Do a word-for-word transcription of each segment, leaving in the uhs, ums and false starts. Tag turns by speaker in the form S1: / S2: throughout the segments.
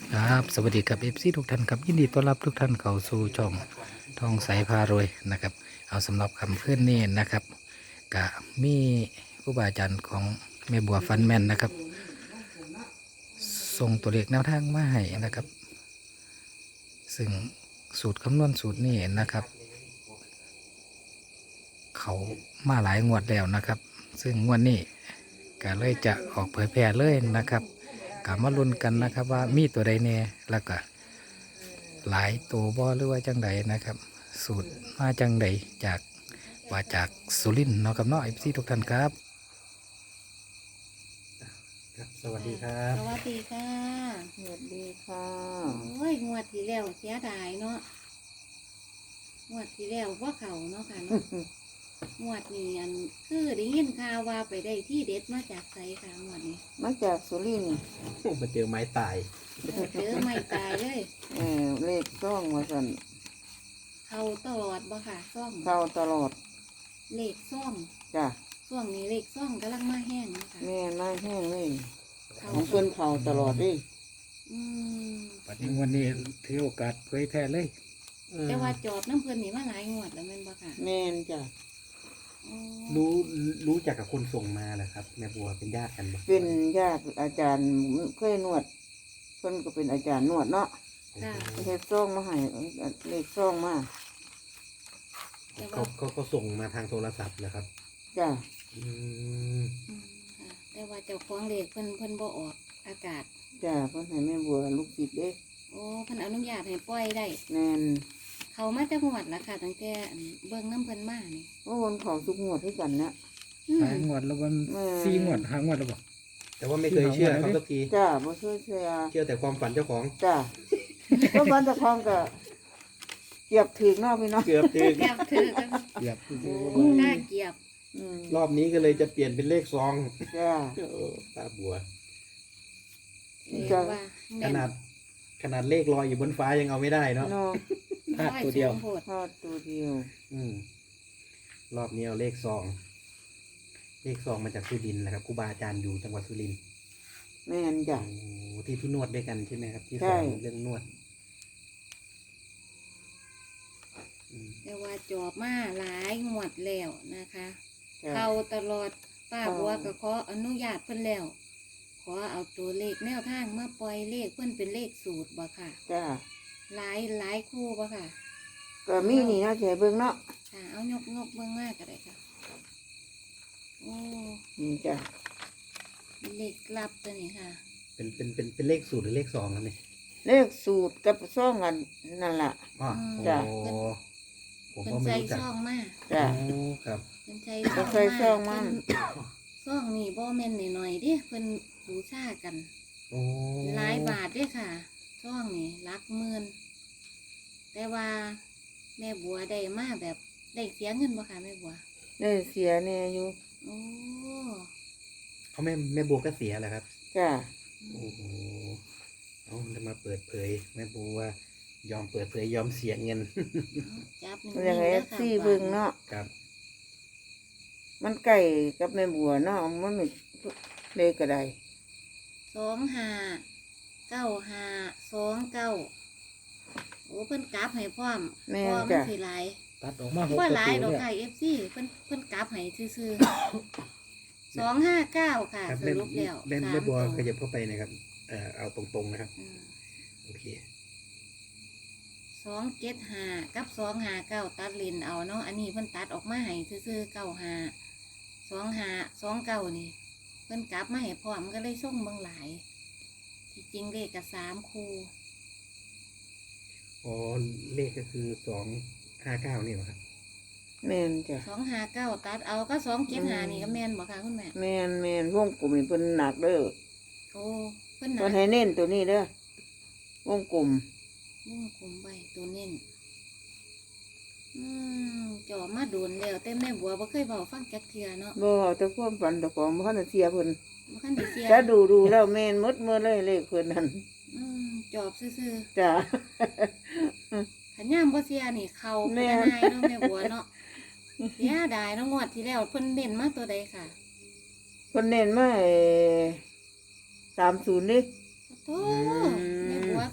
S1: ครับสวัสดีครับเอฟซีทุกท่านครับยินดีต้อนรับทุกท่านเข้าสู่ช่องทองใสพารวยนะครับเอาสำหรับคำขึ้นนี่นะครับกะมีผู้บาอาจารย์ของแม่บัวฟันแมนนะครับส่งตัวเลขแนวทางมาให้นะครับซึ่งสูตรคำนวณสูตรนี้นะครับเขามาหลายงวดแล้วนะครับซึ่งงวดนี้ก็เลยจะออกเผยแพร่เลยนะครับกะมาลุ้นกันนะครับว่ามีตัวใดแน่แล้วก็ หลายตัวบ่หรือว่าจังใดนะครับ สูตรมาจังใดจากว่าจากสุรินทร์เนาะครับเนาะเอฟซีทุกท่านครับครับสวัสดีครับ
S2: สวัสดีค่ะ
S3: สวัสดีค่ะ
S2: โอ้ยงวดที่แล้วเสียดายเนาะงวดที่แล้วว่าเขาเนาะค่ะเนาะ งวดนี้อันคือได้ยินข่าวว่าไปได้ที่เด็ดมาจากไสค่ะงวดนี้
S3: มาจากสุรินทร์
S1: มาเจอไม้ตาย
S2: เออเจอไม่ตายเลย
S3: เออเลขซ่องมาสั่น
S2: เขาตลอดบ่ค่ะซ่อง
S3: เข้าตลอด
S2: เลขซ่อง
S3: จ้ะ
S2: ช่วงนี้เลขซ่องกำลังมาแห้งเนาะคะ
S3: แม่มาแห้งเลย
S2: เขา
S3: ของเพิ่นเข้าตลอดดิ
S2: อืม
S1: ปัจจุบันนี้ถือโอกาสเผยแพร่เลย
S2: แต่ว่าจอบน้ำเพิ่นนี่มาหลายงวดแล้วแม่นบ่ค่ะ
S3: แม่นจ้ะ
S2: อ๋อ
S4: รู้รู้จักกับคนส่งมาเหรอครับแม่บัวเป็นญาติกันปะ
S3: เป็นญาติอาจารย์เคยนวดเพิ่นก็เป็นอาจารย์นวดเนาะ
S2: ค่ะ
S3: เฮ็ดซ่องมาให้เลขซ่องมา
S2: แต่
S4: เขา
S2: ว่า
S4: เขาเขาส่งมาทางโทรศัพท์เหรอครับ
S3: จ้ะ
S4: อืม
S2: อืมค่ะแต่ว่าเจ้าของเลขเพิ่นเพิ่นบ่ออกอากาศ
S3: จ้ะเพิ่นให้แม่บัวลูกศิษย์เด้
S2: โอ้เพิ่นอนุญาตให้ปล่อยได้
S3: แม่น
S2: เขามาจากหวดละค่ะตั้งแต่อันเบิ่งน้ำเพิ่นมานี่
S3: โอ้คนเขาทุกงวดที่กันนะ
S2: อืม
S1: หางวดแล้ววัน
S3: แม่
S1: สี่งวดหางวดแล้วบ่
S4: แต่ว่าไม่เคยเชื่อเขาสักที
S3: จ้ะบ่ช่วยเชื่อ
S4: เชื่อแต่ความฝันเจ้าของ
S3: จ้ะก็บ้านตะคองก็เก็บถึงเนาะพี่เนาะ
S4: เกือบถึง
S2: เกียบถือกัน
S1: เกียบ
S2: กล้าเกียบ
S3: อืม
S4: รอบนี้ก็เลยจะเปลี่ยนเป็นเลขซอง
S3: จ้ะ
S4: เออตาบัว
S2: เรีย
S3: จ้ะ
S2: กว่า
S4: ข
S2: แม่น
S4: นาดขนาดเลขลอยอยู่บนฟ้ายังเอาไม่ได้เนาะ
S3: เนาะ
S1: พลาดตัวเดียว
S2: ร้อสูงโพด
S3: ทอดตัวเดียว
S4: อืมรอบนี้เอาเลขซอง เลขซองมาจากสุรินทร์นะครับครูบาอาจารย์อยู่จังหวัดสุรินทร์
S3: แม่นจ้ะ
S4: โอ้ที่ที่นวดด้วยกันใช่ไหมครับ ที่
S3: ใช่
S4: สอนเรื่องนวดอืม
S2: แต่ว่าจอบมาหลายงวดแล้วนะคะ
S3: จ้ะ
S2: เขาตลอดป้า
S3: เข้า
S2: บัวก็ขออนุญาตเพิ่นแล้ว ขอเอาตัวเลขแนวทางมาปล่อยเลขเพิ่นเป็นเลขสูตรบ่ค่ะ
S3: จ้ะ
S2: หลายหลายคู่บ่ค่ะ
S3: ก็มีนี่นะเฉยเบิ่งเนาะ
S2: ค่ะเอายกยกเบิ่งมากก็ได้ค่ะโอ้
S3: นี่จ้ะ
S2: เลขลับตัวนี้ค่ะ
S4: เป็นเป็นเป็นเป็นเลขสูตรหรือเลขซองครับเนี่ย
S3: เลขสูตรกับซ่องกันนั่นล่ะ
S4: อ๋อ
S3: จ้ะ
S4: โอ้ผม
S2: เป็น
S4: ก็ไม่
S2: ใส่
S4: รู้จัก
S2: ซ่องมา
S3: จ้ะ
S4: โอ้ครับ
S2: เป็นใส่
S3: เป็นใส่ซ่องมา
S2: เพิ่นซ่องนี่บ่แม่นหน่อยๆเด้เพิ่นบูชากัน
S4: โอ้
S2: หลายบาทเด้ค่ะซ่องนี่หลักหมื่นแต่ว่าแม่บัวได้มาแบบได้เสียเงินบ่ค่ะแม่บัว
S3: ได้เสียแน่อยู่
S2: โอ้
S4: เขาแม่แม่บัวก็เสียแหละครับ
S3: จ้ะ
S4: โอ้โหเอาจะมาเปิดเผยแม่บัวยอมเปิดเผยยอมเสียเงิน
S2: จับหนึ่ง
S3: มันยังไง
S2: เด้อค่ะ
S3: ซี่เบิ่งเนาะ
S4: ครับ
S3: มันใกล้กับแม่บัวเนาะมันไม่เลขก็ได้
S2: สองห้าเก้าห้าสองเก้าโอ้เพิ่นกราฟให้พร้อม
S3: แม่
S2: พร้อม
S3: จ้ะ
S2: สิหลาย
S1: ตัดออกมาหก
S2: ว่า
S1: ประ
S2: หลาย
S1: ตู
S2: ดอก
S1: เนี่ย
S2: ไก่เอฟซีเพิ่นเพิ่นกราฟให้ซื่อๆ สองห้าเก้าค่ะ
S4: ครับ
S2: ส
S4: แม่
S2: รุปแล้ว
S4: แม่
S2: สาม
S4: แม่บัว
S2: ตัว
S4: ขยับเข้าไปหนะครับเอ่อเอาตรงๆนะครับ
S2: อืม
S4: โอเค
S2: สองเจ็ดห้ากับสองห้าเก้าตัดเลนเอาเนาะอันนี้เพิ่นตัดออกมาให้ซื่อๆเก้าห้าสองห้าสองเก้านี่ เพิ่นกราฟมาให้พร้อมก็เลยส่งเบิ่งหลาย ที่จริงเลขกับสามคู่
S4: อ๋อเลขก็คือสองห้าเก้านี่เหรอครับ
S3: แม่นจ้ะ
S2: สองห้าเก้าตัดเอาก็สองเจ็ดห้านี่ก็แม่นบอกค่ะคุณแม่
S3: แม่นแม่นวงกลมนี่เพิ่นหนักเด้อ
S2: โอ้เพิ่นหนั
S3: เพิ่
S2: ก
S3: นให้เน้นตัวนี้เด้อวงกลม
S2: มุ่งคุมใบตัวเน้นอืมจ่อมาโดนแล้วแต่แม่บัวบ่เคยบอกฟังจักเทื่อเนาะ
S3: บ่แต่ความฝันแต่ของบ่ทันได้เสียเพิ่น
S2: บ่คันได้เสีย
S3: ถ้าดูดูแล้วแม่นหมดมือเลยเลขเพิ่นนั่น
S2: อืมจอบซื่อ
S3: จ้ะ
S2: ๆขันย่ามบ่เสียนี่เขา
S3: แม่
S2: เป็นนายเนาะแม่บัวเนาะเสียดายเนาะงวดที่แล้วเพิ่นเน้นมาตัวใดค่ะ
S3: เพิ่นเน้นมาสามศูนย์นี่
S2: โอ้แม่บัว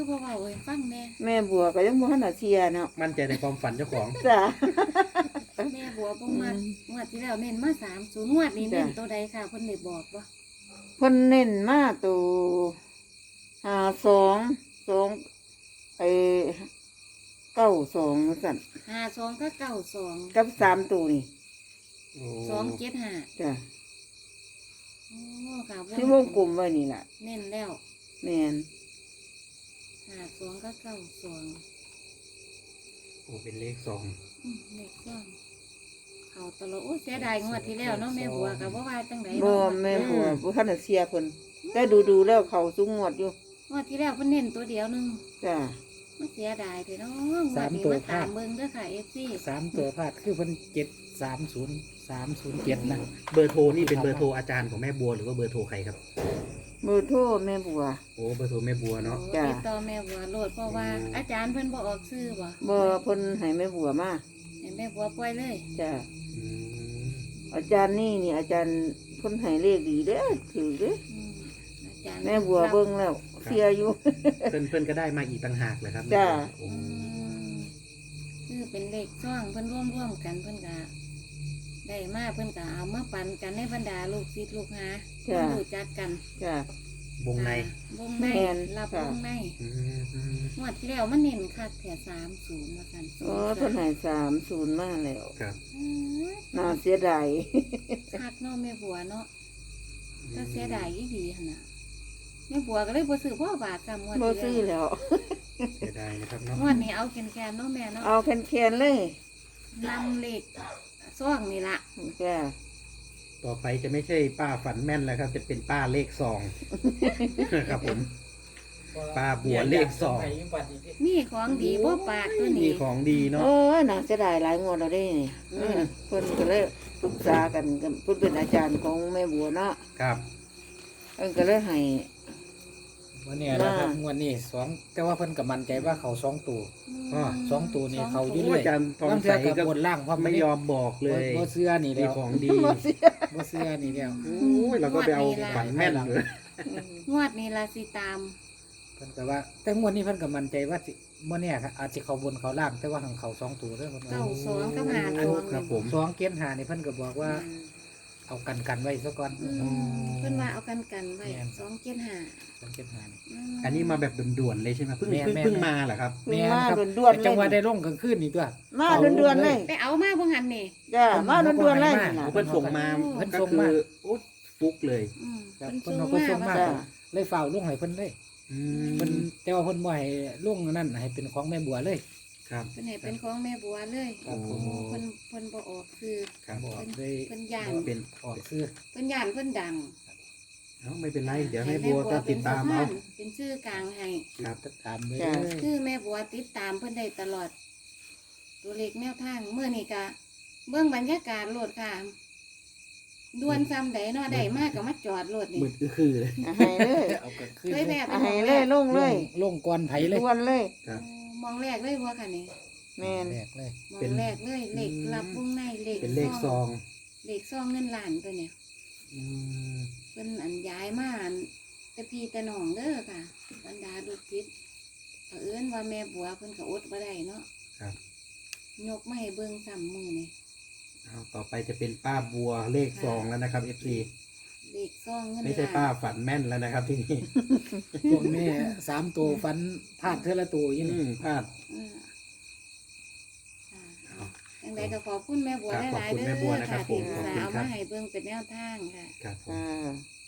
S2: คือบ่เว้าให้ฟังแน่
S3: แม่บัวก็ยังบ่ทันได้เสียเนาะ
S4: มั่นใจในความฝันเจ้าของ
S3: จ้ะ
S2: แม่บัวบ่มางวดที่แล้วเน้นมาสามศูนย์งวดนี้เน้นตัวใดค่ะเพิ่นได้บอกบ่
S3: เพิ่นเน้นมาตัวห้าสองสองไอ้เก้าสองสั่น
S2: ห้าสองก็เก้าสอง
S3: กับสามตัวนี่
S4: โอ้
S2: สองเจ็ดห้า
S3: จ้ะ
S2: โอ้ค่ะ
S3: ที่วงกลมไว้นี่ล่ะ
S2: เน้นแล้ว
S3: แม่น
S2: ห้าสองก็เก้าสอง
S4: โอ้เป็นเลขสอง
S2: อืมเลขซ่อนเขาตลอดโอ้ยเสียดายงวดที่แล้วเนาะแม่บัวก็บ่ว่าจังได
S3: บ่
S2: เนาะ
S3: แม่บัวบ่ทันได้เสียเพิ่นแต่ดูๆแล้วเขาสูงงวดอยู่
S2: งวดที่แล้วเพิ่นเน้นตัวเดียวหนึง
S3: จ้ะ
S2: มันเสียดายเถอะเนาะงวดนี้มาตามเบิ่งเด้อค่ะ เอฟ ซี
S1: สามตัวพลาดคือเพิ่นเจ็ดสามศูนย์สามศูนย์เจ็ดนะ
S4: เบอร์โทรนี่เป็นเบอร์โทรอาจารย์ของแม่บัวหรือว่าเบอร์โทรใครครับ
S3: เบอร์โทรแม่บัว
S4: โอ้เบอร์โทรแม่บัวเนาะ
S3: จ้ะ
S2: ติดต่อแม่บัวโลดเพราะว่าอาจารย์เพิ่นบ่ออกชื่อบ่
S3: บ่เพิ่นให้แม่บัวมา
S2: ให้แม่บัวปล่อยเลย
S3: จ้ะ
S4: อืม
S3: อาจารย์นี่นี่อาจารย์เพิ่นให้เลขดีเด้อถือเด้อ
S2: อืมอาจารย์
S3: แม่บัวเบิ่งแล้วเสียอยู่
S4: เพื่อนเพื่อนก็ได้มาอีกต่างหากเลยครับ
S3: จ้ะ
S4: โอ้
S2: อืมคือเป็นเลขซ่องเพิ่นร่วมๆกันเพิ่นก็ได้มาเพิ่นก็เอามาปันกันในบรรดาลูกศิษย์ลูกหาเพิ่นรู้จักกัน
S3: จ้ะ
S4: วงใน
S2: วงใน
S3: แม่น
S2: รับ
S3: ค่ะ
S2: วงใน
S4: อืมอืม
S2: งวดที่แล้วมันเน้นคักแถวสามศูนย์มากัน
S3: โอ้เพิ่นให้สามศูนย์มาแล้ว
S4: ครับ
S2: อืม
S3: น่าเสียดาย
S2: คักเนาะแม่บัวเนาะถ้าเสียดายอีดีหั่นน่ะแม่บัวก็เลยบ่ซื้อพ่อบาทซ้ำงวด
S3: บ่
S2: ที่
S3: ซื้อ
S2: แล้ว
S3: แล้ว
S4: เสียดายนะครับเนาะ
S2: งวดนี้เอาแคนๆเนาะแม่เนาะ
S3: เอาแคนๆเลย
S2: นำเลขซ่องนี่ล่ะ
S3: จ้ะ
S4: ต่อไปจะไม่ใช่ป้าฝันแม่นแล้วครับ จะเป็นป้าเลขซอง ครับผม ป้าบัวเลขสอง
S2: มีของดีบ่ปากตัว
S4: มี
S2: นี้
S4: ของดีเนาะ
S3: เออน่าเสียดายหลายงวดแล้วเด้นี่
S4: อืม
S3: เพิ่นก็เลยปรึกษากันกับเพิ่นเป็นอาจารย์ของแม่บัวเนาะ
S4: ครับ
S3: เพิ่นก็เลยให้
S1: วันนี้นะครับงวันนี้สองแต่ว่าเพิ่นก็มั่นใจว่าเขาสองตัว
S4: อ๋อ
S1: สองตัวนี่
S2: สง
S1: เขาอยู่
S2: ตัว
S1: เรื่อย
S4: อาจารย์ทอง
S1: บาง
S4: ใส
S1: เทื่อกั
S4: ก็
S1: บบนล่างเพราะ
S4: ไม่ยอมบอกเลย
S1: บ่เสื้อนี่
S4: มี
S1: แล้ว
S4: ของดี
S3: บ่เสีย
S1: บ่เสื้อนี่แล้ว
S4: โอ้ยเราก็ไปเอาฝันแม่นเลย
S2: งวดนี้ล่ะสิตาม
S1: เพิ่นก็ว่า แต่งวดนี้เพิ่นก็มั่นใจว่าสิมื้อเนี้ยครับอาจจะเขาบนเขาล่างแต่ว่าหังเขาสองตัวเด้อเพิ่นว่า
S2: เก้าสองกับหา
S4: อั
S2: ส
S4: น
S2: อง
S4: ครับผม
S1: สองเกียนหานี่เพิ่นก็บอกว่าเอากันกันไว้ซะก่อน
S2: อืมเพิ่นว่าเอากันกันไว้สองเจ็ดห้า
S1: สองเกียนหานี่
S4: อันนี้มาแบบด่วนๆเลยใช่ไหมเพิ่ง
S1: แม่น
S4: เพิ่ง
S1: แม่น
S4: เพิ่งมาเหรอครับ
S3: เพิ่ง
S1: แม่น
S3: มา
S1: ครับ
S3: ด่วนๆ
S1: แต่จังหวะ
S3: เล
S1: ได้
S3: ย
S1: ลงกลางคืนนี่ตัว
S3: มาด่วนๆเลย
S2: ไปเอามาบ่หันนี่
S3: จ้ะมาด่วนๆเลยนี่ล่ะ
S4: เพิ่นส่งมา
S1: เพิ่น
S4: ก็
S1: ส่ง
S4: คื
S1: มา
S4: อโอ้ฟุกเลย
S2: อืม
S1: ครับ
S2: เพิ่
S1: เพิ่น
S2: น
S1: เอา
S2: ส่ง
S1: เพิ่นส่ง
S2: มา
S1: มา
S2: ว่า
S3: จ้ะ
S1: เลยฝ่าวลงให้เพิ่นเลย
S4: อื
S1: เพิ่น
S4: ม
S1: แต่ว่าเพิ่นบ่ให้ลงนั่นให้เป็นของแม่บัวเลย
S4: ครับ
S2: เพิ่นให้เป็นของแม่บัวเลย
S1: ครับผม
S2: โอ้เพิ่นเพิ่นบ่ออกคือ
S4: ครับ
S1: บอก
S2: เพิ่น
S1: เลย
S2: เพิ่นย่าน
S4: เป็น
S1: ออกซื้อ
S2: เพิ่นย่านเพิ่นดัง
S4: เอ้าไม่เป็นไร เดี๋ยวให้บัวก็ติดตามเอา
S2: เป็นชื่อกลางให้
S4: ครับ
S1: ตามเลย
S3: จ้ะ
S2: คือแม่บัวติดตามเพิ่นได้ตลอด ตัวเลขแนวทางเมื่อนี้ก็เบื้องบรรยากาศโลดค่ะดวนซ้ำใดเนาะได้มากก็มาจอดโลดนี่
S4: มืดอื้อคือเลย
S3: เอาให้เลย
S1: เอาก็คือ
S2: เคยแวะไป
S3: เอา
S2: หม
S3: ให้
S2: อง
S3: เล
S2: แร
S3: ย
S2: ก
S3: ลงเลย
S1: ลงก่อนไผเลย
S3: ด่วนเลย
S4: ครับ
S2: มองแรกเลยบัวค่ะนี่
S3: แม่น
S1: แรกเลย
S2: มอ
S4: เป็น
S2: งแรกเลยเลขรับวงในเลข
S4: เป็นเลขซอง
S2: เลขซองเงินล้านตัวเนี่ย
S4: อืม
S2: เพิ่นอันย้ายมาอันแต่พี่แต่น้องเด้อค่ะบรรดาลูกศิษย์เผอิญว่าแม่บัวเพิ่นก็อดบ่ได้เนาะ
S4: ครับ
S2: ยกมาให้เบิ่งซ้ำมือนี่
S4: เอาต่อไปจะเป็นป้าบัวเลขซองแล้วนะครับ เอฟซี
S2: เลขซองเงิน
S4: ไม่ใช่
S2: ล้าน
S4: ป้าฝันแม่นแล้วนะครับที่นี่
S1: ช่วงนี้สามตัวฟันพลาดเท่าละตัวอ
S4: อื
S1: ยี่นี่
S4: มพลาด
S2: อืมค่ะยังไงก็ขอบคุณแม่บัว
S4: ครับ
S2: หลายๆ
S4: ขอบคุณ
S2: เด้
S4: แม่บัว
S2: อ
S4: นะครั
S2: ค่ะ
S4: บ
S2: ที่
S4: ผม
S2: อุตส่าห์เอา
S4: ขอบคุณครับ
S2: มาให้เบิ่งเป็นแนวทางค่ะ
S4: ครับผม
S3: อ่า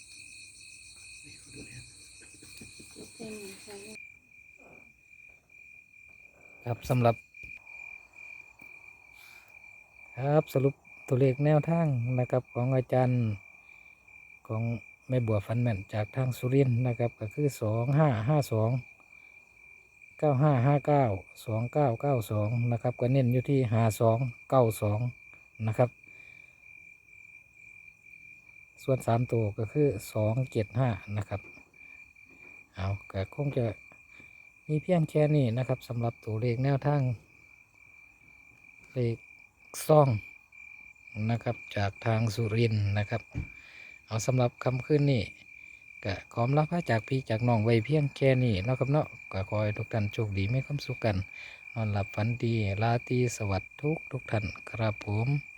S2: เป็นใช่
S1: ครับสำหรับ ครับสรุปตัวเลขแนวทางนะครับของอาจารย์ของแม่บัวฟันแม่นจากทางสุรินทร์นะครับก็คือสองห้าห้าสองเก้าห้าห้าเก้าสองเก้าเก้าสองนะครับก็เน้นอยู่ที่ห้าสองเก้าสองนะครับ ส่วนสามตัวก็คือสองเจ็ดห้านะครับเอาก็คงจะมีเพียงแค่นี้นะครับสำหรับตัวเลขแนวทางเลขซ่องนะครับจากทางสุรินทร์นะครับเอาสำหรับคำขึ้นนี่ก็ขอลาพระจากพี่จากน้องไว้เพียงแค่นี้เนาะครับเนาะก็ขอให้ทุกท่านโชคดีมีความสุขกันนอนหลับฝันดีราตรีสวัสดิ์ทุกทุกท่านครับผม